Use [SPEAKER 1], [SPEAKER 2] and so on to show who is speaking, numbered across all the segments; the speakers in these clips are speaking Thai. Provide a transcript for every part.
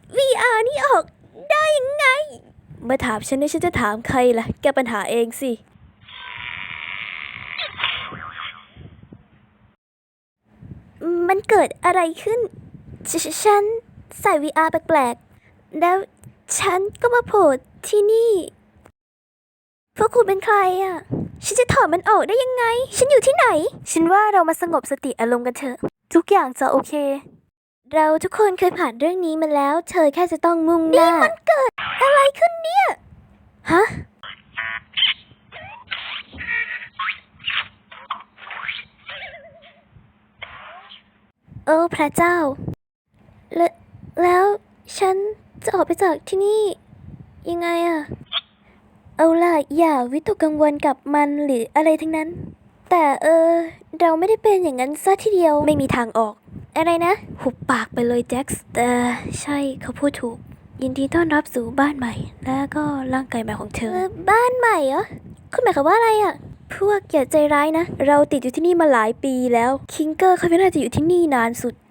[SPEAKER 1] VR นี่ออกได้ยังไงมาถามฉันจะถามใครล่ะแกปัญหาเองสิมันเกิดอะไรขึ้นฉันใส่ VR แปลกๆแล้วฉันก็มาโผล่ที่นี่พวกคุณเป็นใครอ่ะฉันจะถอดมันออกได้ยังไงฉันอยู่ที่ไหนฉันว่าเรามาสงบสติอารมณ์กันเถอะทุกอย่างจะโอเคเราทุกคนเคยผ่านเรื่องนี้มาแล้วเธอแค่จะต้องมุ่งหน้านี่มันเกิดอะไรขึ้นเนี่ยฮะโอ้พระเจ้าแล้วฉันจะออกไปจากที่นี่ยังไงอะเอาล่ะอย่าวิตกกังวลกับมันหรืออะไรทั้งนั้นแต่เราไม่ได้เป็นอย่างนั้นซะทีเดียวไม่มีทางออกอะไรนะหุบปากไปเลยแจ็คส์แต่ใช่เขาพูดถูกยินดีต้อนรับสู่บ้านใหม่และก็ร่างกายใหม่ของเธอบ้านใหม่เหรอคุณหมายความว่าอะไรอะพวกอย่าใจร้ายนะเราติดอยู่ที่นี่มาหลายปีแล้วคิงเกอร์เขาไม่น่าจะอยู่ที่นี่นานสุด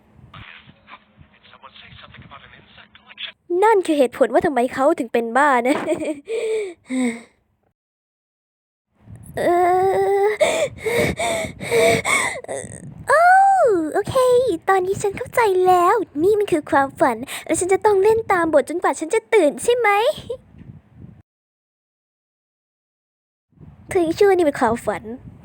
[SPEAKER 1] นั่นคือเหตุผลว่าทำไมเขาถึงเป็นบ้านะ เออโอ้โอเค ตอนนี้ฉันเข้าใจแล้ว นี่มันคือความฝัน และฉันจะต้องเล่นตามบทจนกว่าฉันจะตื่นใช่ไหมถึงชั่วนี่เป็นความฝัน